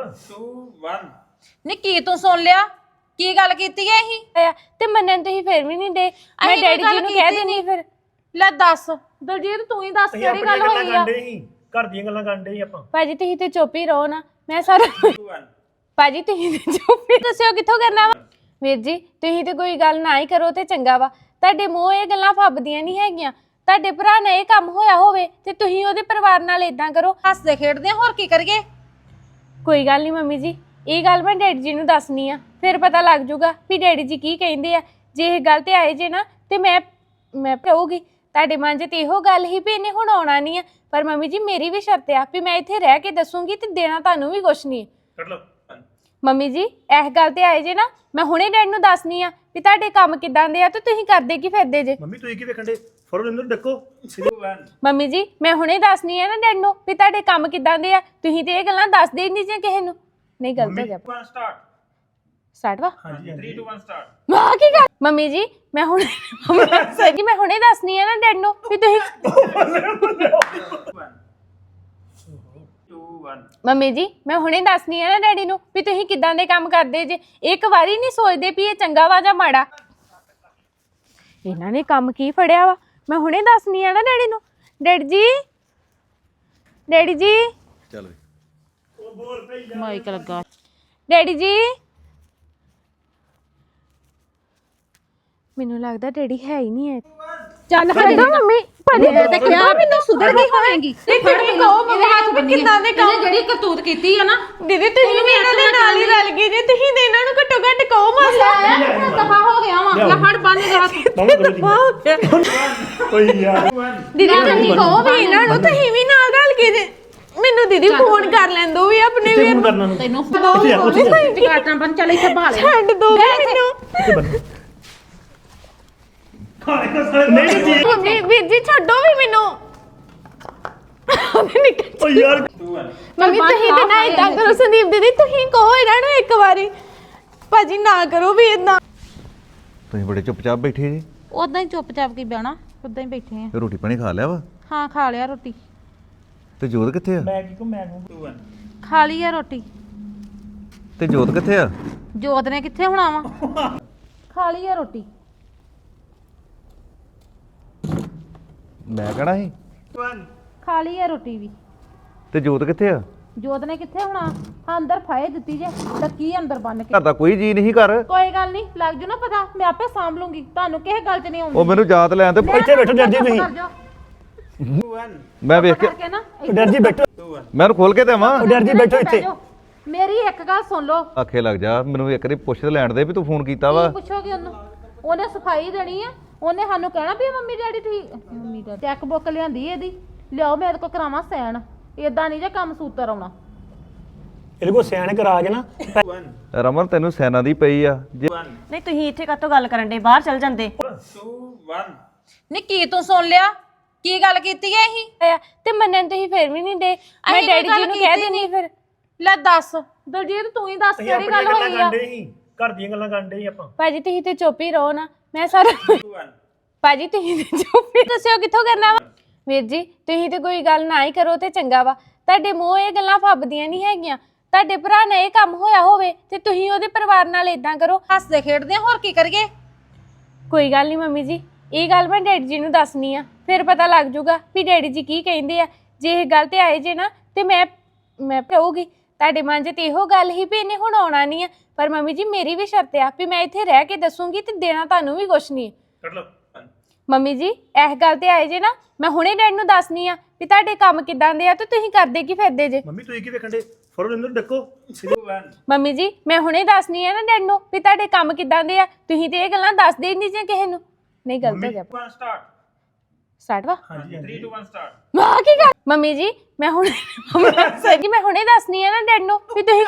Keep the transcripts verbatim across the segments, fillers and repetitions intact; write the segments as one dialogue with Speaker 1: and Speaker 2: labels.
Speaker 1: two one
Speaker 2: ਨੀ ਕੀ ਤੂੰ ਸੁਣ ਲਿਆ ਕੀ ਗੱਲ ਕੀਤੀ ਐ ਇਹ
Speaker 3: ਤੇ ਮੰਨਣ ਤੁਸੀਂ ਫਿਰ ਵੀ ਨਹੀਂ ਦੇ ਮੈਂ ਡੈਡੀ ਜੀ ਨੂੰ ਕਹਿ ਦੇਣੀ ਫਿਰ
Speaker 2: ਲੈ ਦੱਸ ਦਲਜੀਤ ਤੂੰ ਹੀ ਦੱਸ ਕਿਹੜੀ ਗੱਲ ਹੋਈ ਆ
Speaker 4: ਘਰ ਦੀਆਂ ਗੱਲਾਂ ਕਰਨ ਦੇ ਆਪਾਂ
Speaker 3: ਭਾਜੀ ਤੁਸੀਂ ਤੇ ਚੁੱਪ ਹੀ ਰਹੋ ਨਾ ਮੈਂ ਸਾਰਾ
Speaker 1: two one
Speaker 3: ਭਾਜੀ ਤੁਸੀਂ ਤੇ ਚੁੱਪ ਹੀ ਦੱਸਿਓ ਕਿੱਥੋਂ ਕਰਨਾ ਵਾ ਵੀਰ ਜੀ ਤੁਸੀਂ ਤੇ ਕੋਈ ਗੱਲ ਨਾ ਹੀ ਕਰੋ ਤੇ ਚੰਗਾ ਵਾ ਤੁਹਾਡੇ ਮੂੰਹ ਇਹ ਗੱਲਾਂ ਫੱਬਦੀਆਂ ਨਹੀਂ ਹੈਗੀਆਂ ਤੁਹਾਡੇ ਭਰਾ ਨਾਲ ਇਹ ਕੰਮ ਹੋਇਆ ਹੋਵੇ ਤੇ ਤੁਸੀਂ ਉਹਦੇ ਪਰਿਵਾਰ ਨਾਲ ਇਦਾਂ ਕਰੋ
Speaker 2: ਹੱਸਦੇ ਖੇਡਦੇ ਹੋਰ ਕੀ ਕਰੀਏ
Speaker 3: ਕੋਈ ਗੱਲ ਨਹੀਂ ਮੰਮੀ ਜੀ ਇਹ ਗੱਲ ਮੈਂ ਡੈਡੀ ਜੀ ਨੂੰ ਦੱਸਣੀ ਆ ਫਿਰ ਪਤਾ ਲੱਗ ਜੂਗਾ ਵੀ ਡੈਡੀ ਜੀ ਕੀ ਕਹਿੰਦੇ ਆ ਜੇ ਇਹ ਗੱਲ ਤੇ ਆਏ ਜੇ ਨਾ ਤੇ ਮੈਂ ਮੈਂ ਕਹੂਗੀ ਤੁਹਾਡੇ ਮਨ 'ਚ ਤੇ ਇਹੋ ਗੱਲ ਹੀ ਵੀ ਇਹਨੇ ਹੁਣ ਆਉਣਾ ਨਹੀਂ ਆ ਪਰ ਮੰਮੀ ਜੀ ਮੇਰੀ ਵੀ ਸ਼ਰਤ ਆ ਵੀ ਮੈਂ ਇੱਥੇ ਰਹਿ ਕੇ ਦੱਸੂਗੀ ਤੇ ਦੇਣਾ ਤੁਹਾਨੂੰ ਵੀ ਕੁਛ ਨਹੀਂ
Speaker 4: ਕੱਢ ਲਓ
Speaker 3: ਮੰਮੀ ਜੀ ਇਸ ਗੱਲ ਤੇ ਆਏ ਜੇ ਨਾ ਮੈਂ ਹੁਣੇ ਡੈਡ ਨੂੰ ਦੱਸਣੀ ਆ ਵੀ ਤੁਹਾਡੇ ਕੰਮ ਕਿਦਾਂ ਦੇ ਆ ਤੇ ਤੁਸੀਂ ਕਰਦੇ ਕੀ ਫਿਰਦੇ ਜੇ
Speaker 4: ਮੰਮੀ ਤੁਸੀਂ ਕੀ ਵੇਖਣ ਦੇ ਫੜੋ ਲੈਂਦੇ ਡੱਕੋ
Speaker 1: two one
Speaker 3: ਮੰਮੀ ਜੀ ਮੈਂ ਹੁਣੇ ਦੱਸਣੀ ਆ ਨਾ ਡੈਡ ਨੂੰ ਵੀ ਤੁਹਾਡੇ ਕੰਮ ਕਿਦਾਂ ਦੇ ਆ ਤੁਸੀਂ ਤੇ ਇਹ ਗੱਲਾਂ ਦੱਸਦੇ ਹੀ ਨਹੀਂ ਜੇ ਕਿਸੇ ਨੂੰ ਨਹੀਂ ਗਲਤ ਹੋ ਗਿਆ
Speaker 1: one start
Speaker 3: ਸਟਾਰਟ ਵਾ
Speaker 4: ਹਾਂਜੀ
Speaker 1: three two one start
Speaker 3: ਵਾਹ ਕੀ ਗੱਲ ਮੰਮੀ ਜੀ ਮੈਂ ਹੁਣੇ ਸਹੀ ਜੀ ਮੈਂ ਹੁਣੇ ਦੱਸਣੀ ਆ ਨਾ ਡੈਡ ਨੂੰ ਵੀ ਤੁਸੀਂ
Speaker 1: one two one
Speaker 3: ਮੰਮੀ ਜੀ ਮੈਂ ਹੁਣੇ ਦੱਸਣੀ ਆ ਨਾ ਡੈਡੀ ਨੂੰ ਵੀ ਤੁਸੀਂ ਕਿਦਾਂ ਦੇ ਕੰਮ ਕਰਦੇ ਜੇ ਇੱਕ ਵਾਰੀ ਨਹੀਂ ਸੋਚਦੇ ਵੀ ਇਹ ਚੰਗਾ ਵਾ ਜਾਂ ਮਾੜਾ ਇਹਨਾਂ ਨੇ ਕੰਮ ਕੀ ਫੜਿਆ ਵਾ ਮੈਂ ਹੁਣੇ ਦੱਸਣੀ ਆ ਨਾ ਡੈਡੀ ਨੂੰ ਡੈਡੀ ਜੀ ਡੈਡੀ ਜੀ
Speaker 5: ਚੱਲ
Speaker 2: ਮਾਈਕ ਲੱਗਾ
Speaker 3: ਡੈਡੀ ਜੀ ਮੈਨੂੰ ਲੱਗਦਾ ਡੈਡੀ ਹੈ ਹੀ ਨਹੀਂ ਹੈ ਚੱਲ ਹਟੋ ਮੰਮੀ ਭਾਜੀ
Speaker 2: ਤੇ ਕਿਹਾ ਮੈਨੂੰ ਸੁਧਰ ਗਈ ਹੋਵੇਂਗੀ ਤੇ ਫੜ ਕਹੋ ਮੇਰੇ ਹੱਥ ਵੀ ਕਿੰਨਾ ਦੇ ਕੰਮ ਜਿਹੜੀ ਕਰਤੂਤ ਕੀਤੀ ਆ ਨਾ
Speaker 3: ਦੀਦੀ ਤੁਸੀਂ ਵੀ ਇਹਨਾਂ ਦੇ ਨਾਲ ਹੀ ਰਲ ਗਏ ਜੇ ਤੁਸੀਂ ਤੇ ਇਹਨਾਂ ਨੂੰ ਘੱਟੋ ਘੱਟ ਕਹੋ ਮਾਸਾ
Speaker 2: ਦਫਾ ਹੋ ਗਿਆ ਵਾ ਲੈ ਫੜ ਬੰਨ ਦੇ ਹੱਥ
Speaker 4: ਓਏ ਯਾਰ
Speaker 3: ਦੀਦੀ ਤੁਸੀਂ ਕਹੋ ਵੀ ਇਹਨਾਂ ਨੂੰ ਤੁਸੀਂ ਵੀ ਨਾਲ ਰਲ ਗਏ ਜੇ ਮੈਨੂੰ ਦੀਦੀ ਫੋਨ ਕਰ ਲੈਣ ਦੋ ਵੀ ਆਪਣੇ ਵੀਰ
Speaker 4: ਫੋਨ ਕਰਨਾ ਨੂੰ
Speaker 2: ਤੈਨੂੰ
Speaker 4: ਕਿੱਥੇ ਆ ਉੱਥੇ ਜਾ
Speaker 2: ਟਿਕਾਟਾਂ ਬੰਨ ਚੱਲ ਇੱਥੇ ਭਾਲੇ
Speaker 3: ਛੱਡ ਦੋ ਮੈਨੂੰ
Speaker 4: ਕਿੱਥੇ ਬੰਨ ਨਹੀਂ ਜੀ
Speaker 3: ਮੰਮੀ ਵੀਰ ਜੀ ਛੱਡੋ ਵੀ ਮੈਨੂੰ
Speaker 4: ਓ ਯਾਰ
Speaker 1: two one
Speaker 3: ਮੰਮੀ ਤੁਸੀਂ ਤੇ ਨਾ ਇਦਾਂ ਕਰੋ ਸੰਦੀਪ ਦੀਦੀ ਤੁਸੀਂ ਕਹੋ ਇਹਨਾਂ ਨੂੰ ਇੱਕ ਵਾਰੀ ਭਾਜੀ ਨਾ ਕਰੋ ਵੀ ਇਦਾਂ
Speaker 5: ਤੁਸੀਂ ਬੜੇ ਚੁੱਪਚਾਪ ਬੈਠੇ ਜੀ
Speaker 2: ਉਦਾਂ ਹੀ ਚੁੱਪਚਾਪ ਕੀ ਬਹਿਣਾ ਉਦਾਂ ਹੀ ਬੈਠੇ ਆ
Speaker 5: ਤੇ ਰੋਟੀ ਪਾਣੀ ਖਾ ਲਿਆ ਵਾ
Speaker 2: ਹਾਂ ਖਾ ਲਿਆ ਰੋਟੀ
Speaker 5: ਤੇ ਜੋਤ ਕਿੱਥੇ ਆ
Speaker 4: ਮੈਂ ਕੀ ਕੋ ਮੈਂ ਨੂੰ
Speaker 1: two one
Speaker 2: ਖਾ ਲਈ ਆ ਰੋਟੀ
Speaker 5: ਤੇ ਜੋਤ ਕਿੱਥੇ ਆ
Speaker 2: ਜੋਤ ਨੇ ਕਿੱਥੇ ਹੋਣਾ ਵਾ ਖਾ ਲਈ ਆ ਰੋਟੀ
Speaker 5: ਮੈਂ ਕਹਣਾ ਸੀ
Speaker 1: one
Speaker 2: ਖਾ ਲਈ ਆ ਰੋਟੀ ਵੀ
Speaker 5: ਤੇ ਜੋਤ ਕਿੱਥੇ ਆ
Speaker 2: ਜੋਤ ਨੇ ਕਿੱਥੇ ਹੋਣਾ ਹਾਂ ਅੰਦਰ ਫਾਇ ਦਿੱਤੀ ਜੇ ਲੱਕੀ ਅੰਦਰ ਬੰਨ ਕੇ
Speaker 5: ਘਰ ਦਾ ਕੋਈ ਜੀ ਨਹੀਂ ਘਰ
Speaker 2: ਕੋਈ ਗੱਲ ਨਹੀਂ ਲੱਗ ਜੂ ਨਾ ਪਤਾ ਮੈਂ ਆਪੇ ਸਾਂਭ ਲੂੰਗੀ ਤੁਹਾਨੂੰ ਕਿਸੇ ਗੱਲ 'ਚ ਨਹੀਂ ਆਉਂਦੀ
Speaker 5: ਉਹ ਮੈਨੂੰ ਯਾਦ ਲੈਣ ਤੇ
Speaker 4: ਇੱਥੇ ਬੈਠੋ ਡਰ ਜੀ ਤੁਸੀਂ
Speaker 2: ਕਰ ਜਾਓ
Speaker 1: two one
Speaker 5: ਮੈਂ ਵੇਖ ਕੇ
Speaker 2: ਕਰਕੇ ਨਾ
Speaker 4: ਡਰ ਜੀ ਬੈਠੋ
Speaker 1: two one
Speaker 5: ਮੈਂ ਉਹਨੂੰ ਖੋਲ ਕੇ ਦੇਵਾਂ
Speaker 4: ਡਰ ਜੀ ਬੈਠੋ ਇੱਥੇ
Speaker 2: ਬਹਿ ਜਾਓ। ਮੇਰੀ ਇੱਕ ਗੱਲ ਸੁਣ ਲਓ
Speaker 5: ਆਖੇ ਲੱਗ ਜਾ ਮੈਨੂੰ ਇੱਕ ਵਾਰੀ ਪੁੱਛ ਲੈਣ ਦੇ ਵੀ ਤੂੰ ਫੋਨ ਕੀਤਾ ਵਾ
Speaker 2: ਕੀ ਪੁੱਛੋਗੇ ਉਹਨੂੰ ਉਹਨੇ ਸਫਾਈ ਦੇਣੀ ਆ ਉਹਨੇ ਸਾਨੂੰ ਕਹਿਣਾ ਵੀ ਮੰਮੀ ਡੈਡੀ ਠੀਕ ਮੰਮੀ ਡੈਡੀ ਚੈੱਕ ਬੁੱਕ ਲਿਆਂਦੀ ਇਹਦੀ ਲਿਆਓ ਮੇਰੇ ਕੋਲ ਕਰਾਵਾਂ ਸੈਨ ਇਦਾਂ ਨਹੀਂ ਜੇ ਕੰਮ ਸੂਤਰ ਆਉਣਾ
Speaker 4: ਇਹਦੇ ਕੋ ਸਿਆਣੇ ਕਰਾ ਕੇ ਨਾ
Speaker 1: one
Speaker 5: ਰਮਨ ਤੈਨੂੰ ਸੈਨਾ ਦੀ ਪਈ ਆ ਜੇ
Speaker 1: one
Speaker 6: ਨਹੀਂ ਤੁਸੀਂ ਇੱਥੇ ਕਾਹਤੋਂ ਗੱਲ ਕਰਨ ਦੇ ਬਾਹਰ ਚਲ ਜਾਂਦੇ
Speaker 1: two one
Speaker 2: ਨੀ ਕੀ ਤੂੰ ਸੁਣ ਲਿਆ ਕੀ ਗੱਲ ਕੀਤੀ ਐ ਇਹ
Speaker 3: ਤੇ ਮੰਨਣ ਤੁਸੀਂ ਫਿਰ ਵੀ ਨਹੀਂ ਦੇ ਮੈਂ
Speaker 2: ਅਸੀਂ
Speaker 3: ਡੈਡੀ
Speaker 2: ਕੋਈ
Speaker 3: ਜੀ
Speaker 2: ਗੱਲ
Speaker 3: ਨੂੰ ਕਹਿ
Speaker 2: ਕੀਤੀ
Speaker 3: ਦੇਣੀ ਫਿਰ
Speaker 2: ਲੈ ਦੱਸ ਦਲਜੀਤ ਤੂੰ ਹੀ ਦੱਸ
Speaker 4: ਅਸੀਂ
Speaker 2: ਕਿਹੜੀ
Speaker 4: ਆਪਣੀਆਂ
Speaker 2: ਗੱਲ
Speaker 4: ਗੱਲਾਂ
Speaker 2: ਹੋਈ ਆ
Speaker 4: ਕਰਨ ਦੇ ਸੀ ਘਰ ਦੀਆਂ ਗੱਲਾਂ ਕਰਨ ਦੇ ਸੀ ਆਪਾਂ
Speaker 3: ਭਾਜੀ ਤੁਸੀਂ ਤੇ ਚੁੱਪ ਹੀ ਰਹੋ ਨਾ ਮੈਂ ਸਾਰਾ
Speaker 1: two one
Speaker 3: ਭਾਜੀ ਤੁਸੀਂ ਤੇ ਚੁੱਪ ਹੀ ਦੱਸਿਓ ਕਿੱਥੋਂ ਕਰਨਾ ਵਾ ਵੀਰ ਜੀ ਤੁਸੀਂ ਤੇ ਕੋਈ ਗੱਲ ਨਾ ਹੀ ਕਰੋ ਤੇ ਚੰਗਾ ਵਾ ਤੁਹਾਡੇ ਮੂੰਹ ਇਹ ਗੱਲਾਂ ਫੱਬਦੀਆਂ ਨਹੀਂ ਹੈਗੀਆਂ ਤੁਹਾਡੇ ਭਰਾ ਨਾਲ ਇਹ ਕੰਮ ਹੋਇਆ ਹੋਵੇ ਤੇ ਤੁਸੀਂ ਉਹਦੇ ਪਰਿਵਾਰ ਨਾਲ ਇਦਾਂ ਕਰੋ
Speaker 2: ਹੱਸਦੇ ਖੇਡਦੇ ਹੋਰ ਕੀ ਕਰੀਏ
Speaker 3: ਕੋਈ ਗੱਲ ਨਹੀਂ ਮੰਮੀ ਜੀ ਇਹ ਗੱਲ ਮੈਂ ਡੈਡੀ ਜੀ ਨੂੰ ਦੱਸਣੀ ਆ ਫਿਰ ਪਤਾ ਲੱਗ ਜੂਗਾ ਵੀ ਡੈਡੀ ਜੀ ਕੀ ਕਹਿੰਦੇ ਆ ਜੇ ਇਹ ਗੱਲ ਤੇ ਆਏ ਜੇ ਨਾ ਤੇ ਮੈਂ ਮੈਂ ਕਹੂਗੀ ਤੁਹਾਡੇ ਮਨ 'ਚ ਤੇ ਇਹੋ ਗੱਲ ਹੀ ਵੀ ਇਹਨੇ ਹੁਣ ਆਉਣਾ ਨਹੀਂ ਆ ਪਰ ਮੰਮੀ ਜੀ ਮੇਰੀ ਵੀ ਸ਼ਰਤ ਆ ਵੀ ਮੈਂ ਇੱਥੇ ਰਹਿ ਕੇ ਦੱਸੂਗੀ ਤੇ ਦੇਣਾ ਤੁਹਾਨੂੰ ਵੀ ਕੁਛ ਨਹੀਂ
Speaker 4: ਕੱਢ ਲਓ
Speaker 3: ਮੰਮੀ ਜੀ ਇਸ ਗੱਲ ਤੇ ਆਏ ਜੇ ਨਾ ਮੈਂ ਹੁਣੇ ਡੈਡ ਨੂੰ ਦੱਸਣੀ ਆ ਵੀ ਤੁਹਾਡੇ ਕੰਮ ਕਿਦਾਂ ਦੇ ਆ ਤੇ ਤੁਸੀਂ ਕਰਦੇ ਕੀ ਫਿਰਦੇ ਜੇ
Speaker 4: ਮੰਮੀ ਤੁਸੀਂ ਕੀ ਵੇਖਣ ਦੇ ਫੜੋ ਲੈਂਦੇ ਡੱਕੋ
Speaker 1: two one
Speaker 3: ਮੰਮੀ ਜੀ ਮੈਂ ਹੁਣੇ ਦੱਸਣੀ ਆ ਨਾ ਡੈਡ ਨੂੰ ਵੀ ਤੁਹਾਡੇ ਕੰਮ ਕਿਦਾਂ ਦੇ ਆ ਤੁਸੀਂ ਤੇ ਇਹ ਗੱਲਾਂ ਦੱਸਦੇ ਹੀ ਨਹੀਂ ਜੇ ਕਿਸੇ ਨੂੰ ਨਹੀਂ ਗਲਤ ਹੋ ਗਿਆ
Speaker 1: one start
Speaker 3: ਸਟਾਰਟ ਵਾ
Speaker 4: ਹਾਂਜੀ
Speaker 1: three two one start
Speaker 3: ਵਾਹ ਕੀ ਗੱਲ ਮੰਮੀ ਜੀ ਮੈਂ ਹੁਣੇ ਸਹੀ ਜੀ ਮੈਂ ਹੁਣੇ ਦੱਸਣੀ ਆ ਨਾ ਡੈਡ ਨੂੰ ਵੀ ਤੁਸੀਂ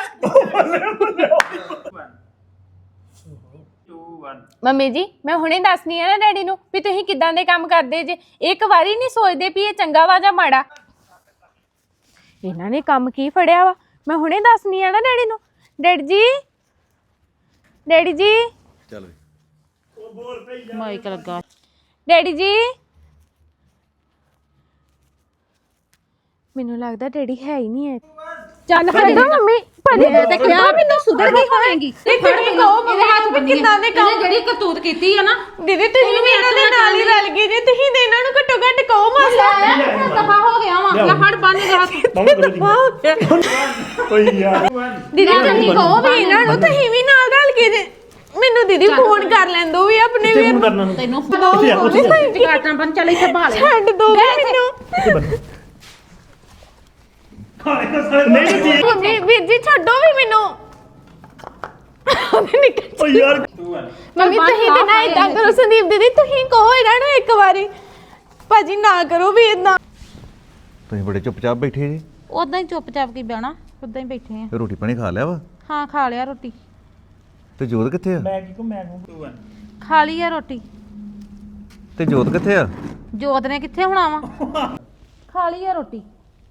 Speaker 1: one two one
Speaker 3: ਮੰਮੀ ਜੀ ਮੈਂ ਹੁਣੇ ਦੱਸਣੀ ਆ ਨਾ ਡੈਡੀ ਨੂੰ ਵੀ ਤੁਸੀਂ ਕਿਦਾਂ ਦੇ ਕੰਮ ਕਰਦੇ ਜੇ ਇੱਕ ਵਾਰੀ ਨਹੀਂ ਸੋਚਦੇ ਵੀ ਇਹ ਚੰਗਾ ਵਾ ਜਾਂ ਮਾੜਾ ਇਹਨਾਂ ਨੇ ਕੰਮ ਕੀ ਫੜਿਆ ਵਾ ਮੈਂ ਹੁਣੇ ਦੱਸਣੀ ਆ ਨਾ ਡੈਡੀ ਨੂੰ ਡੈਡੀ ਜੀ ਡੈਡੀ ਜੀ
Speaker 5: ਚੱਲ
Speaker 2: ਮਾਈਕ ਲੱਗਾ
Speaker 3: ਡੈਡੀ ਜੀ ਮੈਨੂੰ ਲੱਗਦਾ ਡੈਡੀ ਹੈ ਹੀ ਨਹੀਂ ਹੈ
Speaker 2: ਚੱਲ
Speaker 3: ਛੱਡੋ ਮੰਮੀ ਭਾਜੀ
Speaker 2: ਮੈਂ ਤੇ ਕਿਹਾ ਮੈਨੂੰ ਸੁਧਰ ਗਈ ਹੋਵੇਂਗੀ
Speaker 3: ਤੇ ਤੁਸੀਂ ਕਹੋ ਮੰਮੀ ਨੂੰ ਵੀ ਕਿੱਦਾਂ ਦੇ ਕੰਮ
Speaker 2: ਜਿਹੜੀ ਕਰਤੂਤ ਕੀਤੀ ਆ ਨਾ
Speaker 3: ਦੀਦੀ ਤੁਸੀਂ ਵੀ ਇਹਨਾਂ ਦੇ ਨਾਲ ਹੀ ਰਲ ਗਏ ਜੇ ਤੁਸੀਂ ਤੇ ਇਹਨਾਂ ਨੂੰ ਘੱਟੋ ਘੱਟ ਕਹੋ ਮਾਸਾ
Speaker 2: ਦਫਾ ਹੋ ਗਿਆ ਵਾ ਲੈ ਫੜ ਬੰਨ ਦੇ ਹੱਥ
Speaker 4: ਮਾਮਾ ਕਰੋ ਜੀ ਓਏ ਯਾਰ
Speaker 3: ਦੀਦੀ ਤੁਸੀਂ ਕਹੋ ਵੀ ਇਹਨਾਂ ਨੂੰ ਤੁਸੀਂ ਵੀ ਨਾਲ ਰਲ ਕੇ ਜੇ ਮੈਨੂੰ ਦੀਦੀ ਫੋਨ ਕਰ ਲੈਣ ਦੋ ਵੀ ਆਪਣੇ
Speaker 4: ਕਿੱਥੇ ਫੋਨ ਕਰਨਾ ਨੂੰ
Speaker 2: ਤੈਨੂੰ
Speaker 4: ਉੱਥੇ ਜਾ, ਉੱਥੇ ਜਾ।
Speaker 2: ਕਾਟਾਂ ਬੰਨ ਚੱਲ ਇੱਥੇ ਭਾਲ
Speaker 3: ਛੱਡ ਦੋ ਮੈਨੂੰ
Speaker 4: ਕਿੱਥੇ ਬੰਦੇ ਨਹੀਂ ਨਹੀਂ ਠੀਕ
Speaker 3: ਮੰਮੀ ਵੀਰ ਜੀ ਛੱਡੋ ਵੀ ਮੈਨੂੰ
Speaker 4: ਓ ਯਾਰ
Speaker 1: two one
Speaker 3: ਮੰਮੀ ਤੁਸੀਂ ਤੇ ਨਾ ਇਦਾਂ ਕਰੋ ਸੰਦੀਪ ਦੀਦੀ ਤੁਸੀਂ ਕਹੋ ਇਹਨਾਂ ਨੂੰ ਇੱਕ ਵਾਰੀ ਭਾਜੀ ਨਾ ਕਰੋ ਵੀ ਇਦਾਂ
Speaker 5: ਤੁਸੀਂ ਬੜੇ ਚੁੱਪਚਾਪ ਬੈਠੇ ਜੀ
Speaker 2: ਉਦਾਂ ਹੀ ਚੁੱਪਚਾਪ ਕੀ ਬਹਿਣਾ ਉਦਾਂ ਹੀ ਬੈਠੇ ਆ
Speaker 5: ਤੇ ਰੋਟੀ ਪਾਣੀ ਖਾ ਲਿਆ ਵਾ
Speaker 2: ਹਾਂ ਖਾ ਲਿਆ ਰੋਟੀ
Speaker 5: ਤੇ ਜੋਤ ਕਿੱਥੇ ਆ
Speaker 4: ਮੈਂ ਕੀ ਕੋ ਮੈਂ ਨੂੰ
Speaker 1: two one
Speaker 2: ਖਾ ਲਈ ਆ ਰੋਟੀ
Speaker 5: ਤੇ ਜੋਤ ਕਿੱਥੇ ਆ
Speaker 2: ਜੋਤ ਨੇ ਕਿੱਥੇ ਹੋਣਾ ਵਾ ਖਾ ਲਈ ਆ ਰੋਟੀ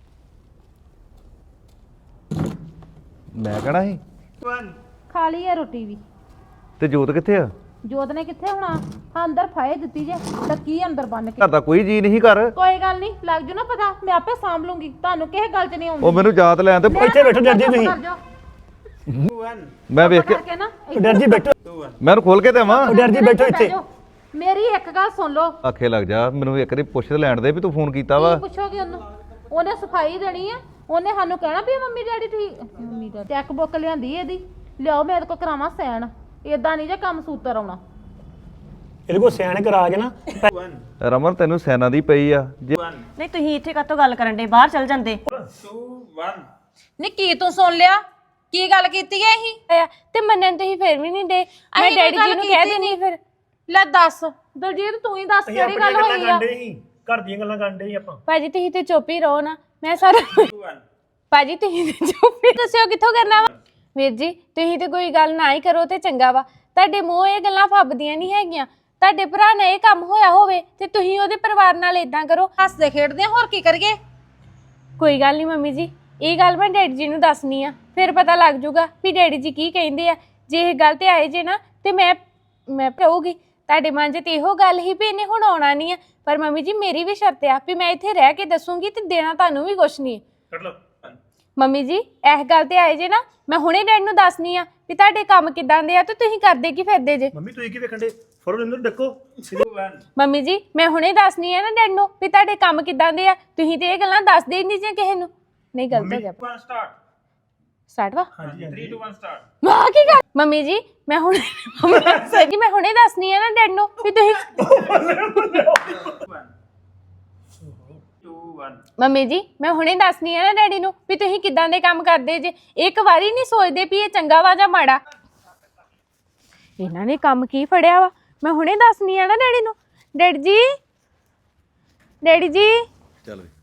Speaker 5: ਮੈਂ ਕਹਣਾ ਸੀ
Speaker 1: one
Speaker 2: ਖਾ ਲਈ ਆ ਰੋਟੀ ਵੀ
Speaker 5: ਤੇ ਜੋਤ ਕਿੱਥੇ ਆ
Speaker 2: ਜੋਤ ਨੇ ਕਿੱਥੇ ਹੋਣਾ ਹਾਂ ਅੰਦਰ ਫਾਏ ਦਿੱਤੀ ਜੇ ਲੱਕੀ ਅੰਦਰ ਬੰਨ ਕੇ
Speaker 5: ਘਰ ਦਾ ਕੋਈ ਜੀ ਨਹੀਂ ਕਰ
Speaker 2: ਕੋਈ ਗੱਲ ਨਹੀਂ ਲੱਗ ਜੂ ਨਾ ਪਤਾ ਮੈਂ ਆਪੇ ਸਾਂਭ ਲੂੰਗੀ ਤੁਹਾਨੂੰ ਕਿਸੇ ਗੱਲ 'ਚ ਨਹੀਂ ਆਉਂਦੀ
Speaker 5: ਉਹ ਮੈਨੂੰ ਯਾਦ ਲੈਣ ਤੇ
Speaker 4: ਇੱਥੇ ਬੈਠੋ ਡਰ ਜੀ ਤੁਸੀਂ
Speaker 2: ਕਰ ਜਾਓ
Speaker 1: two one
Speaker 5: ਮੈਂ ਵੇਖ ਕੇ
Speaker 2: ਕਰਕੇ ਨਾ
Speaker 4: ਡਰ ਜੀ ਬੈਠੋ
Speaker 1: two one
Speaker 5: ਮੈਂ ਉਹਨੂੰ ਖੋਲ ਕੇ ਦੇਵਾਂ
Speaker 4: ਓ ਡਰ ਜੀ ਬੈਠੋ ਇੱਥੇ
Speaker 2: ਮੇਰੀ ਇੱਕ ਗੱਲ ਸੁਣ ਲਓ
Speaker 5: ਆਖੇ ਲੱਗ ਜਾ ਮੈਨੂੰ ਇੱਕ ਵਾਰੀ ਪੁੱਛ ਤੇ ਲੈਣ ਦੇ ਵੀ ਤੂੰ ਫੋਨ ਕੀਤਾ ਵਾ
Speaker 2: ਕੀ ਪੁੱਛੋਗੇ ਉਹਨੂੰ ਉਹਨੇ ਸਫਾਈ ਦੇਣੀ ਆ ਉਹਨੇ ਸਾਨੂੰ ਕਹਿਣਾ ਵੀ ਮੰਮੀ ਡੈਡੀ ਠੀਕ ਮੰਮੀ ਦਾ ਚੈੱਕ ਬੁੱਕ ਲਿਆਂਦੀ ਇਹਦੀ ਲਿਆਓ ਮੇਰੇ ਕੋਲ ਕਰਾਵਾਂ ਸੈਨ ਏਦਾਂ ਨਹੀਂ ਜੇ ਕੰਮ ਸੂਤਰ ਆਉਣਾ
Speaker 4: ਇਹਦੇ ਕੋ ਸਿਆਣ ਕਰਾ ਕੇ ਨਾ
Speaker 1: one
Speaker 5: ਰਮਨ ਤੈਨੂੰ ਸੈਨਾ ਦੀ ਪਈ ਆ ਜੇ
Speaker 1: one
Speaker 6: ਨਹੀਂ ਤੁਸੀਂ ਇੱਥੇ ਕਾਤੋਂ ਗੱਲ ਕਰਨ ਦੇ ਬਾਹਰ ਚੱਲ ਜਾਂਦੇ
Speaker 1: two one
Speaker 2: ਨੀ ਕੀ ਤੂੰ ਸੁਣ ਲਿਆ ਕੀ ਗੱਲ ਕੀਤੀ ਐ ਇਹ
Speaker 3: ਆ ਤੇ ਮੰਨਣ ਤੁਸੀਂ ਫਿਰ ਵੀ ਨਹੀਂ ਦੇ ਮੈਂ
Speaker 2: ਅਸੀਂ
Speaker 3: ਡੈਡੀ
Speaker 2: ਕੋਈ
Speaker 3: ਜੀ
Speaker 2: ਗੱਲ
Speaker 3: ਨੂੰ ਕਹਿ
Speaker 2: ਕੀਤੀ
Speaker 3: ਦੇਣੀ ਫਿਰ
Speaker 2: ਲੈ ਦੱਸ ਦਲਜੀਤ ਤੂੰ ਹੀ ਦੱਸ
Speaker 4: ਅਸੀਂ
Speaker 2: ਕਿਹੜੀ
Speaker 4: ਆਪਣੀਆਂ
Speaker 2: ਗੱਲ
Speaker 4: ਗੱਲਾਂ
Speaker 2: ਹੋਈ ਆ
Speaker 4: ਕਰਦੇ ਸੀ ਘਰ ਦੀਆਂ ਗੱਲਾਂ ਕਰਦੇ ਸੀ ਆਪਾਂ
Speaker 3: ਭਾਜੀ ਤੁਸੀਂ ਤੇ ਚੁੱਪ ਹੀ ਰਹੋ ਨਾ ਮੈਂ ਸਾਰਾ
Speaker 1: two one
Speaker 3: ਭਾਜੀ ਤੁਸੀਂ ਤੇ ਚੁੱਪ ਹੀ ਦੱਸਿਓ ਕਿੱਥੋਂ ਕਰਨਾ ਵਾ ਵੀਰ ਜੀ ਤੁਸੀਂ ਤੇ ਕੋਈ ਗੱਲ ਨਾ ਹੀ ਕਰੋ ਤੇ ਚੰਗਾ ਵਾ ਤੁਹਾਡੇ ਮੂੰਹ ਇਹ ਗੱਲਾਂ ਫੱਬਦੀਆਂ ਨਹੀਂ ਹੈਗੀਆਂ ਤੁਹਾਡੇ ਭਰਾ ਨਾਲ ਇਹ ਕੰਮ ਹੋਇਆ ਹੋਵੇ ਤੇ ਤੁਸੀਂ ਉਹਦੇ ਪਰਿਵਾਰ ਨਾਲ ਇਦਾਂ ਕਰੋ
Speaker 2: ਹੱਸਦੇ ਖੇਡਦੇ ਹੋਰ ਕੀ ਕਰੀਏ
Speaker 3: ਕੋਈ ਗੱਲ ਨਹੀਂ ਮੰਮੀ ਜੀ ਇਹ ਗੱਲ ਮੈਂ ਡੈਡੀ ਜੀ ਨੂੰ ਦੱਸਣੀ ਆ ਫਿਰ ਪਤਾ ਲੱਗ ਜਾਊਗਾ ਵੀ ਡੈਡੀ ਜੀ ਕੀ ਕਹਿੰਦੇ ਆ ਜੇ ਇਹ ਗੱਲ ਤੇ ਆਏ ਜੇ ਨਾ ਤੇ ਮੈਂ ਮੈਂ ਰਹੂਗੀ ਤੁਹਾਡੇ ਮਨ 'ਚ ਤੇ ਇਹੋ ਗੱਲ ਹੀ ਵੀ ਇਹਨੇ ਹੁਣ ਆਉਣਾ ਨਹੀਂ ਆ ਪਰ ਮੰਮੀ ਜੀ ਮੇਰੀ ਵੀ ਸ਼ਰਤ ਆ ਵੀ ਮੈਂ ਇੱਥੇ ਰਹਿ ਕੇ ਦੱਸੂਗੀ ਤੇ ਦੇਣਾ ਤੁਹਾਨੂੰ ਵੀ ਕੁਛ ਨਹੀਂ
Speaker 4: ਕੱਢ ਲਓ
Speaker 3: ਮੰਮੀ ਜੀ ਇਸ ਗੱਲ ਤੇ ਆਏ ਜੇ ਨਾ ਮੈਂ ਹੁਣੇ ਡੈਡ ਨੂੰ ਦੱਸਣੀ ਆ ਵੀ ਤੁਹਾਡੇ ਕੰਮ ਕਿਦਾਂ ਦੇ ਆ ਤੇ ਤੁਸੀਂ ਕਰਦੇ ਕੀ ਫਿਰਦੇ ਜੇ
Speaker 4: ਮੰਮੀ ਤੁਸੀਂ ਕੀ ਵੇਖਣ ਦੇ ਫੜੋ ਇਹਨੂੰ ਡੱਕੋ
Speaker 1: two one
Speaker 3: ਮੰਮੀ ਜੀ ਮੈਂ ਹੁਣੇ ਦੱਸਣੀ ਆ ਨਾ ਡੈਡ ਨੂੰ ਵੀ ਤੁਹਾਡੇ ਕੰਮ ਕਿਦਾਂ ਦੇ ਆ ਤੁਸੀਂ ਤੇ ਇਹ ਗੱਲਾਂ ਦੱਸਦੇ ਹੀ ਨਹੀਂ ਜੇ ਕਿਸੇ ਨੂੰ ਨਹੀਂ ਗਲਤ ਹੋ ਗਿਆ
Speaker 1: one start
Speaker 3: ਸਟਾਰਟ ਵਾ
Speaker 4: ਹਾਂਜੀ
Speaker 1: three two one start
Speaker 3: ਵਾਹ ਕੀ ਗੱਲ ਮੰਮੀ ਜੀ ਮੈਂ ਹੁਣੇ ਸਰ ਜੀ ਮੈਂ ਹੁਣੇ ਦੱਸਣੀ ਆ ਨਾ ਡੈਡ ਨੂੰ ਵੀ ਤੁਸੀਂ
Speaker 1: one two one
Speaker 3: ਮੰਮੀ ਜੀ ਮੈਂ ਹੁਣੇ ਦੱਸਣੀ ਆ ਨਾ ਡੈਡੀ ਨੂੰ ਵੀ ਤੁਸੀਂ ਕਿਦਾਂ ਦੇ ਕੰਮ ਕਰਦੇ ਜੇ ਇੱਕ ਵਾਰੀ ਨਹੀਂ ਸੋਚਦੇ ਵੀ ਇਹ ਚੰਗਾ ਵਾ ਜਾਂ ਮਾੜਾ ਇਹਨਾਂ ਨੇ ਕੰਮ ਕੀ ਫੜਿਆ ਵਾ ਮੈਂ ਹੁਣੇ ਦੱਸਣੀ ਆ ਨਾ ਡੈਡੀ ਨੂੰ ਡੈਡੀ ਜੀ ਡੈਡੀ ਜੀ
Speaker 5: ਚੱਲ ਵੇ